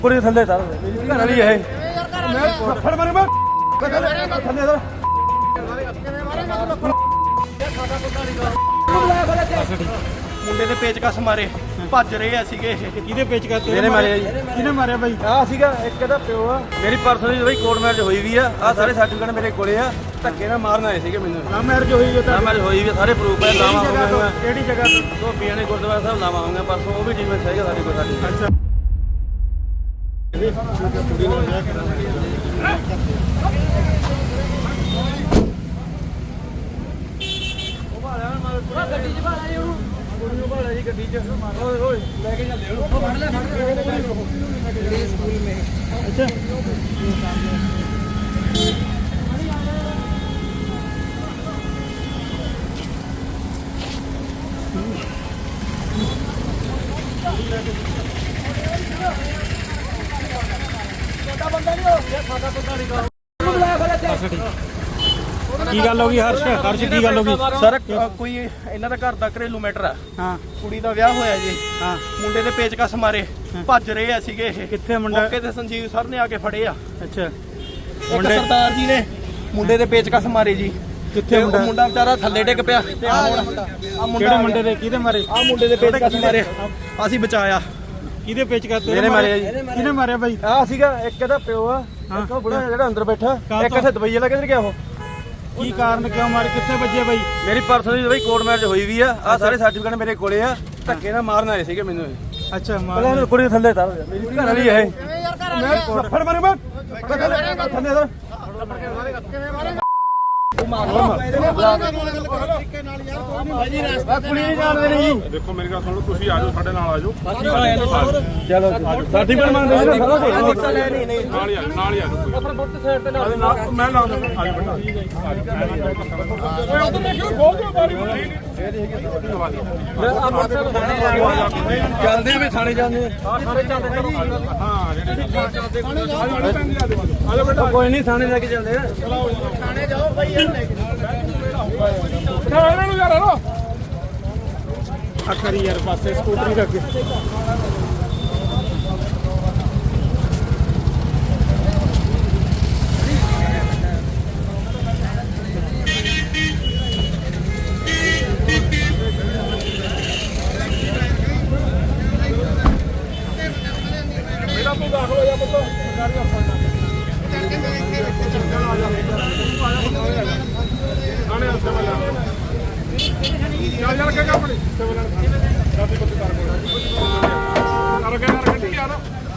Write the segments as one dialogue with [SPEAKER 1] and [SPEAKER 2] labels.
[SPEAKER 1] पूरे थल्ले तार मेरी घर वाली है मैं फड़ मारे मैं थल्ले तार
[SPEAKER 2] ਮੁੰਡੇ ਦੇ ਪੇਚਕਸ ਮਾਰੇ ਭੱਜ ਰਹੇ ਆ ਸੀਗੇ
[SPEAKER 1] ਕਿਹਦੇ ਪੇਚਕਸ
[SPEAKER 2] ਮੇਰੇ ਮਾਰਿਆ ਜੀ
[SPEAKER 1] ਕਿਹਨੇ ਮਾਰਿਆ ਬਾਈ
[SPEAKER 2] ਆ ਸੀਗਾ ਇੱਕ ਇਹਦਾ ਪਿਓ ਆ ਮੇਰੀ ਪਰਸੋਂ ਦੀ ਬਈ ਕੋਰਟ ਮੈਰਿਜ ਹੋਈ ਵੀ ਆ ਆ ਸਾਰੇ ਸਰਟੀਫਿਕੇਟ ਮੇਰੇ ਕੋਲੇ ਆ ਧੱਕੇ ਨਾਲ ਮਾਰਨ ਆਏ ਸੀਗੇ ਮੈਨੂੰ
[SPEAKER 1] ਨਾ ਮੈਰਿਜ ਹੋਈ ਜੋ
[SPEAKER 2] ਨਾ ਮੈਰਿਜ ਹੋਈ ਵੀ ਸਾਰੇ ਪ੍ਰੂਫ ਹੈ ਲਾਵਾ ਹੋ ਗਿਆ
[SPEAKER 1] ਕਿਹੜੀ ਜਗ੍ਹਾ ਤੋਂ
[SPEAKER 2] ਧੋਬੀਆਂ ਨੇ ਗੁਰਦੁਆਰਾ ਸਾਹਿਬ ਲਾਵਾ ਹੋਊਗਾ ਪਰਸੋਂ ਉਹ ਵੀ ਟ੍ਰੀਟਮੈਂਟ ਚਾਹੀਦਾ ਸਾਡੇ ਕੋਲ ਸਾਡੀ
[SPEAKER 1] ਅੱਛਾ
[SPEAKER 2] ਗੱਡੀ 'ਚ ਭਾਲਾ ਜੀ ਉਹਨੂੰ ਕੁੜੀ ਨੂੰ ਭਾਲਾ ਜੀ ਗੱਡੀ 'ਚ ਓਏ ਓਏ ਲੈ ਕੇ ਚੱਲੇ ਉਹਨੂੰ ਫੜ ਲੈ ਸਕੂਲ ਮੇ
[SPEAKER 1] ਅੱਛਾ
[SPEAKER 2] ਸਾਡਾ ਬੰਦਾ ਨਹੀਂ ਹੋ ਸਾਡਾ ਬੰਦਾ ਨਹੀਂ ਕਰ ਉਹਨੂੰ ਬੁਲਾ ਫਿਰ
[SPEAKER 1] ਕੀ ਗੱਲ ਹੋ ਗਈ ਹਰਸ਼ ਕੀ ਗੱਲ ਹੋ ਗਈ
[SPEAKER 2] ਸਰ ਕੋਈ ਇਹਨਾਂ ਦਾ ਘਰ ਦਾ ਘਰੇਲੂ ਮੈਟਰ ਆ
[SPEAKER 1] ਹਾਂ
[SPEAKER 2] ਕੁੜੀ ਦਾ ਵਿਆਹ ਹੋਇਆ ਜੀ
[SPEAKER 1] ਹਾਂ
[SPEAKER 2] ਮੁੰਡੇ ਦੇ ਪੇਚਕਸ ਮਾਰੇ ਭੱਜ ਰਹੇ ਆ ਸੀਗੇ ਇਹ
[SPEAKER 1] ਕਿੱਥੇ ਮੁੰਡਾ
[SPEAKER 2] ਮੌਕੇ ਤੇ ਸੰਜੀਵ ਸਰ ਨੇ ਆ ਕੇ ਫੜੇ ਆ
[SPEAKER 1] ਅੱਛਾ
[SPEAKER 2] ਇੱਕ ਸਰਦਾਰ ਜੀ ਨੇ ਮੁੰਡੇ ਦੇ ਪੇਚਕਸ ਮਾਰੇ ਜੀ
[SPEAKER 1] ਕਿੱਥੇ
[SPEAKER 2] ਉਹ ਮੁੰਡਾ ਵਿਚਾਰਾ ਥੱਲੇ ਡਿੱਗ ਪਿਆ ਤੇ ਆ ਮੁੰਡਾ
[SPEAKER 1] ਕਿਹੜੇ ਮੁੰਡੇ ਦੇ ਕਿਹਦੇ ਮਾਰੇ
[SPEAKER 2] ਆ ਮੁੰਡੇ ਦੇ ਪੇਚਕਸ ਮਾਰੇ ਅਸੀਂ ਬਚਾਇਆ
[SPEAKER 1] ਕਿਹਦੇ ਪੇਚਕਸ
[SPEAKER 2] ਮੇਰੇ ਮਾਰਿਆ ਜੀ
[SPEAKER 1] ਕਿਹਨੇ ਮਾਰਿਆ ਬਾਈ
[SPEAKER 2] ਆ ਸੀਗਾ ਇੱਕ ਇਹਦਾ ਪਿਓ ਆ ਇੱਕ ਉਹ ਬੁੜਾ ਜਿਹੜਾ ਅੰਦਰ ਬੈਠਾ ਇੱਕ ਇੱਥੇ ਦੁਬਈ ਵਾਲਾ ਕਿੱਧਰ ਗਿਆ ਉਹ
[SPEAKER 1] ਕੀ ਕਾਰਨ ਕਿਉਂ ਮਾਰੇ ਕਿੱਥੇ ਵੱਜੇ ਬਾਈ
[SPEAKER 2] ਮੇਰੀ ਪਰਸੋਂ ਦੀ ਬਈ ਕੋਰਟ ਮੈਰਿਜ ਹੋਈ ਵੀ ਆ ਆ ਸਾਰੇ ਸਰਟੀਫਿਕੇਟ ਮੇਰੇ ਕੋਲੇ ਆ ਧੱਕੇ ਨਾਲ ਮਾਰਨ ਆਏ ਸੀਗੇ ਮੈਨੂੰ
[SPEAKER 1] ਅੱਛਾ
[SPEAKER 2] ਪਹਿਲਾਂ ਉਹਨੂੰ ਕੁੜੀ ਥੱਲੇ ਤਾਰ ਮੇਰੀ ਘਰ ਵਾਲੀ ਹੈ ਮੈਂ ਫੜ ਮਾਰੇ ਮੈਂ ਥੱਲੇ ਤਾਰ
[SPEAKER 3] ਦੇਖੋ ਮੇਰੀ ਗੱਲ ਸੁਣ ਲਓ ਤੁਸੀਂ ਆ ਜਾਓ ਸਾਡੇ ਨਾਲ ਆ ਜਾਓ
[SPEAKER 2] ਚਲੋ ਸਰਟੀਫਿਕੇਟ ਮੰਗਦੇ ਨੇ ਸਾਰਾ ਕੁਝ
[SPEAKER 3] ਨਾਲ ਹੀ ਆ ਜਾਓ
[SPEAKER 2] ਆਪਣਾ ਬੁੱਤ ਸਾਈਡ ਤੇ ਨਾਲ
[SPEAKER 3] ਮੈਂ ਲਾ ਦਿੰਦਾ ਆ ਜਾਓ ਬੇਟਾ ਖੋਲ ਦਿਓ ਬਾਰੀ
[SPEAKER 2] ਚੱਲਦੇ ਆ ਵੀ ਥਾਣੇ ਜਾਂਦੇ
[SPEAKER 3] ਹਾਂ ਆ ਜਾਓ ਬੇਟਾ
[SPEAKER 2] ਕੋਈ ਨਹੀਂ ਥਾਣੇ ਲੈ ਕੇ ਚੱਲਦੇ ਆ
[SPEAKER 3] ਇਹਨਾਂ ਨੂੰ ਯਾਰ ਹਲੋ
[SPEAKER 1] ਅਖਰੀ ਯਾਰ ਪਾਸੇ ਸਕੂਟਰੀ ਰੱਖ
[SPEAKER 3] ਮੇਰਾ ਤੂੰ ਦਾਖਲ ਹੋ ਜਾ ਪੁੱਤ ਸਰਕਾਰੀ ਹਸਪਤਾਲ ਆਣੇ ਹਸਪਤਾਲ ਚੱਲ ਚੱਲ ਕੇ ਆਪਣੀ ਸਿਵਲ ਸਾਡੀ ਬੱਤੀ ਤਾਰ ਕੋਲ ਕਰ ਗੱਡੀ ਯਾਰ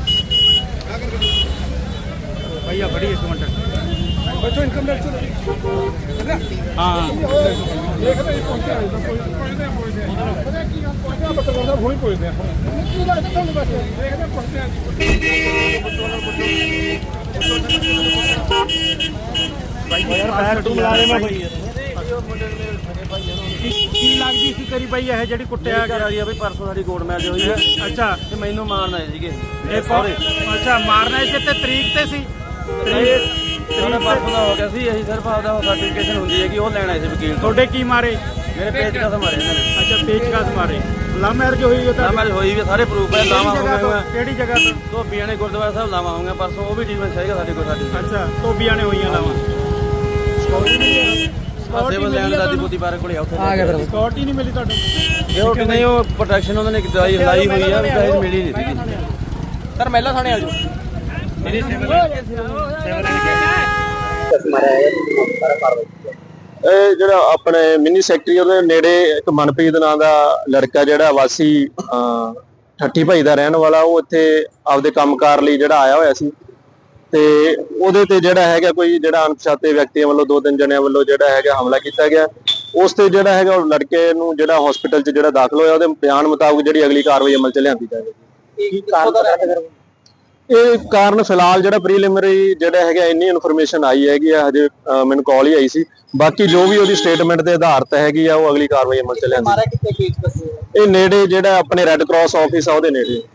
[SPEAKER 1] ਭਈਆ ਬੜੀ ਇੱਕ ਮਿੰਟ
[SPEAKER 3] ਬੱਚੋ ਇਨਕਮ ਟੈਕਸ
[SPEAKER 1] ਹਾਂ
[SPEAKER 3] ਦੇਖਦੇ ਹੀ ਪਹੁੰਚਿਆ ਪਹੁੰਚਦੇ ਪਤਾ ਕੀ ਗੱਲ ਪਹੁੰਚਿਆ ਬੱਤੋਂ ਦਾ ਹੋਈ ਪਹੁੰਚਦੇ ਆ ਕੀ ਲੱਗਦਾ ਤੁਹਾਨੂੰ ਬਸ ਦੇਖਦੇ ਪਹੁੰਚਦੇ ਆ
[SPEAKER 1] ਭਾਈ ਯਾਰ ਪੈਰ ਤੂੰ ਬੁਲਾ ਲੈ ਮੈਂ ਕੀ ਲੱਗਦੀ ਸੀ ਤੇਰੀ ਬਾਈ ਇਹ ਜਿਹੜੀ ਕੁੱਟਿਆ
[SPEAKER 2] ਗਿਆ ਜੀ ਬਈ ਪਰਸੋਂ ਸਾਡੀ ਕੋਰਟ ਮੈਰਿਜ ਹੋਈ ਹੈ
[SPEAKER 1] ਅੱਛਾ
[SPEAKER 2] ਤੇ ਮੈਨੂੰ ਮਾਰਨ ਆਏ ਸੀਗੇ
[SPEAKER 1] ਇਹ ਅੱਛਾ ਮਾਰਨਾ ਇਸੇ ਤੇ ਤਰੀਕ ਤੇ ਸੀ
[SPEAKER 2] ਉਹਨੇ ਪਰਸੋਂ ਦਾ ਹੋ ਗਿਆ ਸੀ ਅਸੀਂ ਸਿਰਫ ਆਪਦਾ ਸਰਟੀਫਿਕੇਸ਼ਨ ਹੁੰਦੀ ਹੈ ਕਿ ਉਹ ਲੈਣ ਆਏ ਸੀ ਵਕੀਲ ਤੋਂ
[SPEAKER 1] ਤੁਹਾਡੇ ਕੀ ਮਾਰੇ
[SPEAKER 2] ਮੇਰੇ ਪੇਚਕਸ ਮਾਰੇ ਇਹਨਾਂ ਨੇ
[SPEAKER 1] ਅੱਛਾ ਪੇਚਕਸ ਮਾਰੇ ਲਵ ਮੈਰਿਜ ਹੋਈ ਉਹ
[SPEAKER 2] ਨਾ ਮੈਰਿਜ ਹੋਈ ਵੀ ਸਾਰੇ ਪ੍ਰੂਫ ਹੈ ਲਾਵਾ ਹੋ ਗਿਆ
[SPEAKER 1] ਕਿਹੜੀ ਜਗ੍ਹਾ ਤੋਂ
[SPEAKER 2] ਧੋਬੀਆਂ ਨੇ ਗੁਰਦੁਆਰਾ ਸਾਹਿਬ ਲਾਵਾ ਹੋਊਗਾ ਪਰਸੋਂ ਉਹ ਵੀ ਟ੍ਰੀਟਮੈਂਟ ਚਾਹੀਦਾ ਸਾਡੇ ਕੋਲ ਸਾਡੀ
[SPEAKER 1] ਅੱਛਾ ਧੋਬੀਆਂ ਨੇ ਹੋਈਆਂ ਲਾਵਾਂ
[SPEAKER 2] ਸਿਵਲ ਲੈਣ ਦਾ ਦੀ ਪਾਰਕ ਕੋਲੇ ਉੱਥੇ
[SPEAKER 1] ਆ ਗਿਆ ਫਿਰ ਸਕਿਉਰਟੀ ਨਹੀਂ ਮਿਲੀ ਤੁਹਾਨੂੰ
[SPEAKER 2] ਇਹ ਕਿ ਨਹੀਂ ਉਹ ਪ੍ਰੋਟੈਕਸ਼ਨ ਉਹਨਾਂ ਨੇ ਦਵਾਈ ਲਾਈ ਹੋਈ ਆ ਵੀ ਮਿਲੀ ਨਹੀਂ ਸੀਗੀ ਸਰ ਮਹਿਲਾ ਥਾਣੇ ਆ ਜਾਓ ਮੇਰੀ
[SPEAKER 4] ਇਹ ਜਿਹੜਾ ਆਪਣੇ ਮਿੰਨੀ ਸੈਕਟਰੀ ਉਹਦੇ ਨੇੜੇ ਇੱਕ ਮਨਪ੍ਰੀਤ ਨਾਂ ਦਾ ਲੜਕਾ ਜਿਹੜਾ ਵਾਸੀ ਠੱਠੀ ਭਾਈ ਦਾ ਰਹਿਣ ਵਾਲਾ ਉਹ ਇੱਥੇ ਆਪਦੇ ਕੰਮਕਾਰ ਲਈ ਜਿਹੜਾ ਆਇਆ ਹੋਇਆ ਸੀ ਤੇ ਉਹਦੇ ਤੇ ਜਿਹੜਾ ਹੈਗਾ ਕੋਈ ਜਿਹੜਾ ਅਣਪਛਾਤੇ ਵਿਅਕਤੀਆਂ ਵੱਲੋਂ 2-3 ਜਣਿਆਂ ਵੱਲੋਂ ਜਿਹੜਾ ਹੈਗਾ ਹਮਲਾ ਕੀਤਾ ਗਿਆ ਉਸ ਤੇ ਜਿਹੜਾ ਹੈਗਾ ਉਹ ਲੜਕੇ ਨੂੰ ਜਿਹੜਾ ਹਸਪੀਟਲ 'ਚ ਜਿਹੜਾ ਦਾਖਲ ਹੋਇਆ ਉਹਦੇ ਬਿਆਨ ਮੁਤਾਬਕ ਜਿਹੜੀ ਅਗਲੀ ਕਾਰਵਾਈ ਅਮਲ 'ਚ ਲਿਆਂਦੀ ਜਾਵੇਗੀ। ਇਹ ਕਾਰਨ ਫਿਲਹਾਲ ਜਿਹੜਾ ਪ੍ਰੀਲਿਮਿਨਰੀ ਜਿਹੜਾ ਹੈਗਾ ਇੰਨੀ ਇਨਫੋਰਮੇਸ਼ਨ ਆਈ ਹੈਗੀ ਆ ਹਜੇ ਮੈਨੂੰ ਕਾਲ ਹੀ ਆਈ ਸੀ ਬਾਕੀ ਜੋ ਵੀ ਉਹਦੀ ਸਟੇਟਮੈਂਟ ਦੇ ਆਧਾਰਿਤ ਹੈਗੀ ਆ ਉਹ ਅਗਲੀ ਕਾਰਵਾਈ ਅਮਲ ਚ ਲਿਆਂਦੀ ਇਹ ਨੇੜੇ ਜਿਹੜਾ ਆਪਣੇ ਰੈੱਡ ਕਰਾਸ ਆਫਿਸ ਆ ਉਹਦੇ ਨੇੜੇ